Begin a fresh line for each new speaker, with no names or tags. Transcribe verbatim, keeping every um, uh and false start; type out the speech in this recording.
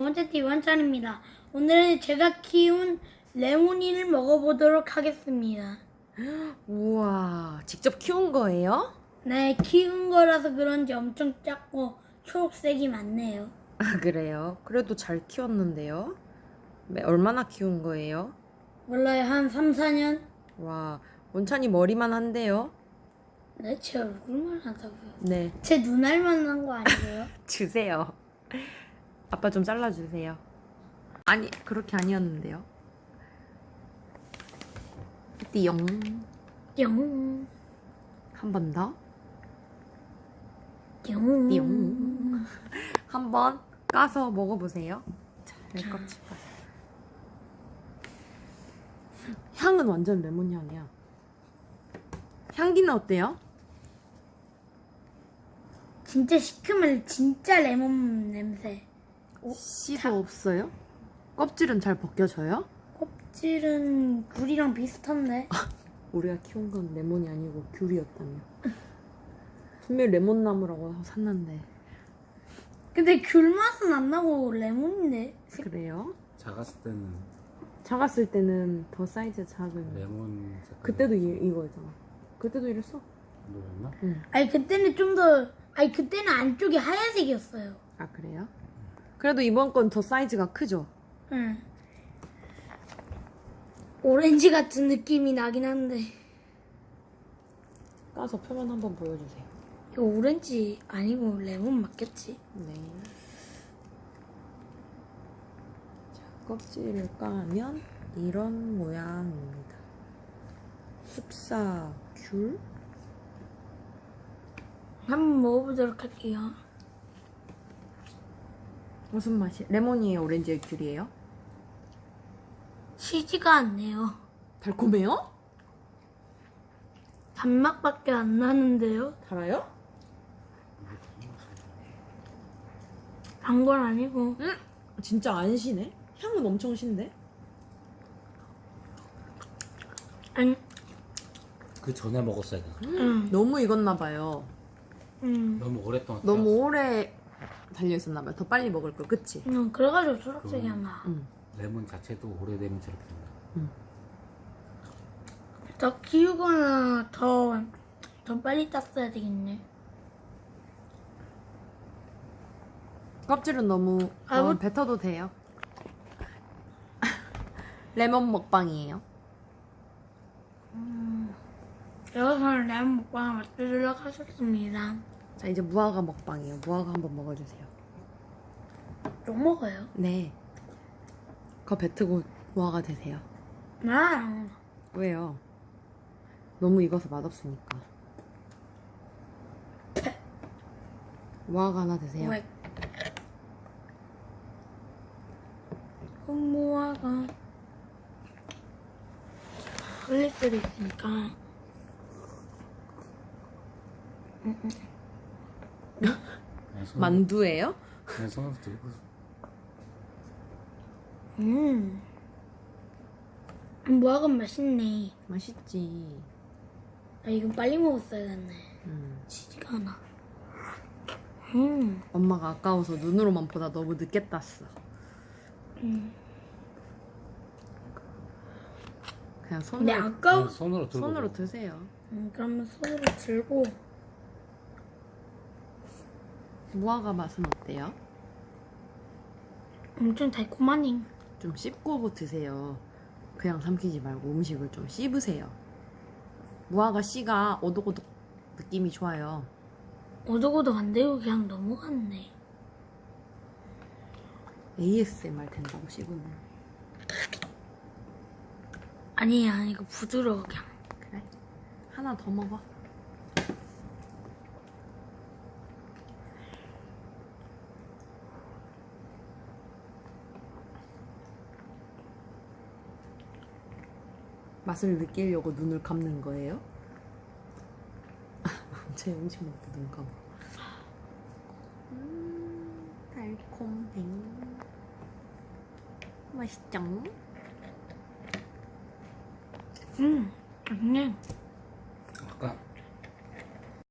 번째 팁 원찬입니다. 오늘은 제가 키운 레모니를 먹어보도록 하겠습니다.
우와, 직접 키운 거예요?
네, 키운 거라서 그런지 엄청 작고 초록색이 많네요.
아, 그래요? 그래도 잘 키웠는데요? 네, 얼마나 키운 거예요?
몰라요, 한 삼, 사 년?
와, 원찬이 머리만 한데요?
네, 제 얼굴만 하다고요.
네,
제 눈알만 한 거 아니에요?
주세요. 아빠 좀 잘라주세요. 아니, 그렇게 아니었는데요. 띠용.
뿅,
한 번 더.
뿅.
띠용. 한 번 까서 먹어보세요. 자, 내 껍질 까서. 향은 완전 레몬 향이야. 향기는 어때요?
진짜 시큼한 진짜 레몬 냄새.
씨도 없어요? 껍질은 잘 벗겨져요?
껍질은 굴이랑 비슷한데.
우리가 키운 건 레몬이 아니고 귤이었다며. 분명히 레몬 나무라고 샀는데.
근데 귤 맛은 안 나고 레몬인데.
그래요?
작았을 때는
작았을 때는 더 사이즈 작은.
레몬 색깔
그때도 이, 이거였잖아. 그때도 이랬어?
노랬나?
응.
아니 그때는 좀 더 아니 그때는 안쪽이 하얀색이었어요.
아, 그래요? 그래도 이번 건 더 사이즈가 크죠?
응. 오렌지 같은 느낌이 나긴 한데
까서 표면 한번 보여주세요.
이거 오렌지 아니고 레몬 맞겠지?
네. 자, 껍질을 까면 이런 모양입니다. 흡사 귤?
한번 먹어보도록 할게요.
무슨 맛이? 레몬이에요? 오렌지의 귤이에요?
시지가 않네요.
달콤해요?
단맛밖에 안 나는데요?
달아요?
단 건 아니고.
응? 진짜 안 시네? 향은 엄청 신데?
아니,
그 전에 먹었어야 돼.
응,
너무 익었나 봐요.
응.
너무 오랫동안
너무
키웠어.
오래 달려있었나 봐요. 더 빨리 먹을 걸, 그치?
응, 그래가지고 초록색이
그-
하나.
응.
레몬 자체도 오래되면 저렇게 된다.
더 키우거나 더, 더 빨리 땄어야 되겠네.
껍질은 너무
아,
어,
뭐-
뱉어도 돼요. 레몬 먹방이에요.
여기서는 레몬 먹방을 맛보도록 하겠습니다.
자, 이제 무화과 먹방이에요. 무화과 한번 먹어주세요.
욕 먹어요?
네. 그거 뱉고 무화과 드세요.
아,
왜요? 너무 익어서 맛없으니까. 무화과 하나 드세요.
왜? 무화과 흘릴 수도 있으니까.
그냥 손-
만두예요?
그냥 손으로 들고
음, 무화과 맛있네.
맛있지.
아, 이건 빨리 먹었어야 했네.
음.
치지가 않아. 음,
엄마가 아까워서 눈으로만 보다 너무 늦게 땄어.
음.
그냥 손으로,
근데 아까워.
그냥 손으로 들고
손으로
먹어.
드세요.
음, 그러면 손으로 들고.
무화과 맛은 어때요?
엄청 달콤하니.
좀 씹고 드세요. 그냥 삼키지 말고 음식을 좀 씹으세요. 무화과 씨가 오독오독 느낌이 좋아요.
오독오독 안 되고 그냥 넘어갔네.
에이에스엠알 된다고 씹으면.
아니야, 이거 부드러워 그냥.
그래? 하나 더 먹어. 맛을 느끼려고 눈을 감는 거예요? 제 음식 먹고 눈 감아. 음, 달콤해. 맛있죠?
음, 아니